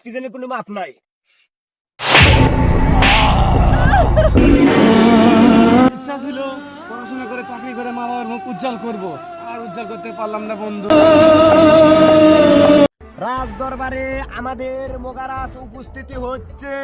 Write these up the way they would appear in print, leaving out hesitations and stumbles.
ইফতিজেনের কোনো মাপ নাই। ইচ্ছা ছিল পড়াশোনা করে চাকরি করে মা বাবার মুখ উজ্জ্বল করব, আর উজ্জ্বল করতে পারলাম না বন্ধু। রাজ দরবারে আমাদের মোগারাস উপস্থিতি হচ্ছে।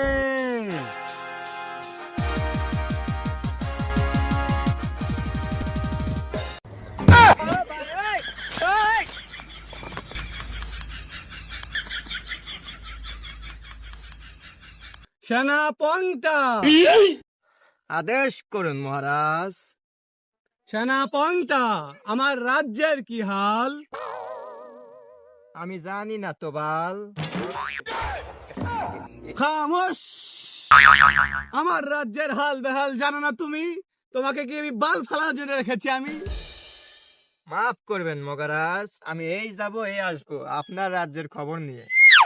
সেনাপংটা, আদেশ করুন মহারাজ। সেনাপংটা, আমার রাজ্যের কি হাল? আমি জানি না তো বাল। খামোশ! আমার রাজ্যের হাল বেহাল জানো না তুমি? তোমাকে কি আমি বাল ফালার জন্য রেখেছি আমি? মাফ করবেন মহারাজ, আমি এই যাব এই আসবো আপনার রাজ্যের খবর নিয়ে।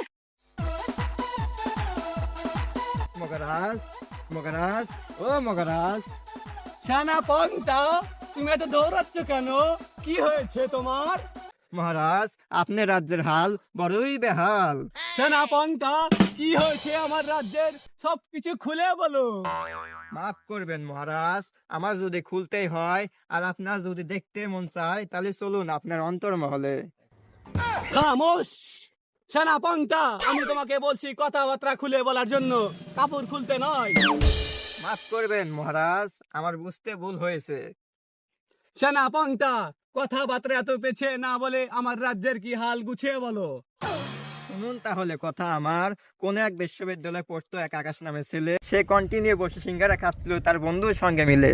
মহারাজ, মহারাজ, ও মহারাজ। সেনাপংটা, তুমি এত দৌড়াচ্ছ কেন? কি হয়েছে তোমার? মহারাজ, আপনার রাজ্যের হাল বড়ই বেহাল। সেনাপংটা, কি হয়েছে আমার রাজ্যের? সবকিছু খুলে বলো। মাফ করবেন মহারাজ, আমার যদি খুলতেই হয় আর আপনার যদি দেখতে মন চায় তাহলে চলুন আপনার অন্তর্মহলে। খামোশ! সেনাপংটা, আমি তোমাকে বলছি কথাবার্তা খুলে বলার জন্য, কাপড় খুলতে নয়। মাফ করবেন মহারাজ, আমার বুঝতে ভুল হয়েছে। সেনাপংটা, কথাবার্তা এত পেছে না বলে আমার রাজ্যের কি হাল গুছিয়ে বলো। শুনুন তাহলে কথা আমার। কোন এক বিশ্ববিদ্যালয়ে পড়তো এক আকাশ নামে ছেলে, সে কন্টিনিউ বসে সিঙ্গারা খাচ্ছিল তার বন্ধুর সঙ্গে মিলে।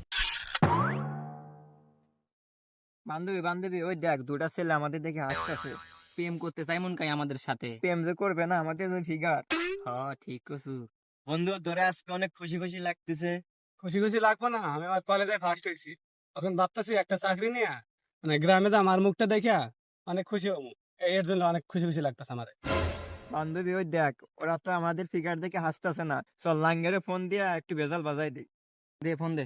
বান্ধবী বান্ধবী, ওই দেখ দুটা ছেলে আমাদের দেখে হাসতেছে। প্রেম করতে চাই মন কাই আমাদের সাথে। প্রেম যে করবে না আমাদের যে ফিগার। ঠিক কছু। বন্ধু ধরে আজকে অনেক খুশি খুশি লাগতেছে। খুশি খুশি লাগবে না? আমি আমার কলেজে ফার্স্ট হয়েছি, এখন ভাবতেছি একটা চাকরি নিয়ে মানে গ্রামে তো আমার মুখটা দেখা অনেক খুশি হবো। এর জন্য অনেক খুশি খুশি লাগতেছে আমার। বান্ধবী ওই দেখ, ওরা তো আমাদের ফিগার দেখে হাসতেছে না। চল লাঙ্গেরে ফোন দিয়ে একটু ভেজাল বাজাই দিই। দে ফোন দে।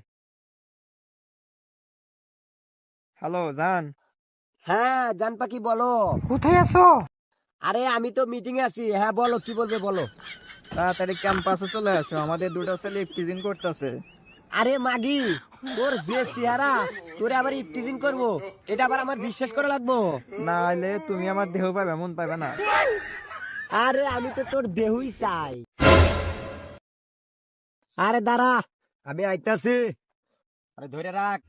হ্যালো জান। হ্যাঁ জান পাখি, বলো। কোথায় আছো? আরে আমি তো মিটিং এ আছি। হ্যাঁ বলো, কি বলবে বলো। তাড়াতাড়ি ক্যাম্পাসে চলে আসো, আমাদের দুটো ছেলে ইফটিজিং করতেছে। আরে মাগি, তোর যে চেহারা, তোরে আবার ইফটিজিং করবো, এটা আবার আমার বিশ্বাস করা লাগবো? না হলে তুমি আমার দেহ পাবে, এমন পাবে না। আরে আমি তো তোর দেহই চাই। আরে দাঁড়া, আমি আইতাছি। আরে ধরে রাখ।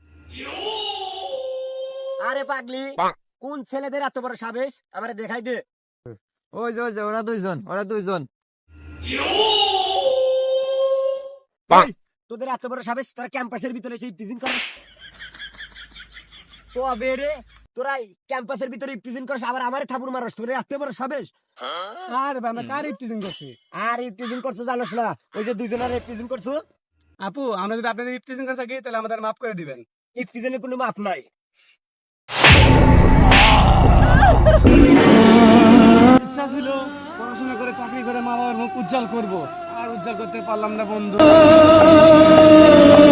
আরে পাগলি, কোন ছেলেদের এত বড় সাবেশ আমারে দেখাই দে। ওই যে ওই যে ওরা দুইজন, ওরা দুইজন। এই, তোদের এত বড় সাবেশ, তোরা ক্যাম্পাসের ভিতরে এসে ইফটিজিং করে? তবে রে, তোরা ক্যাম্পাসের ভিতরে ইফটিজিং করছ, আবার আমারে থাপুর মারস? তোদের এত বড় সাবেশ? আর আমরা কার ইফতিজিং করছি? আর ইফটিজিং করছো জানোস না? ওই যে দুইজনের ইফটিজিং করছো। আপু, আমরা যদি আপনাদের ইফতিজিং করে থাকি তাহলে আমাদের মাফ করে দিবেন। ইফতিজিংয়ের কোনো মাপ নাই। ইচ্ছা ছিল পড়াশোনা করে চাকরি করে মা বাবার মুখ উজ্জ্বল করব, আর উজ্জ্বল করতে পারলাম না বন্ধু।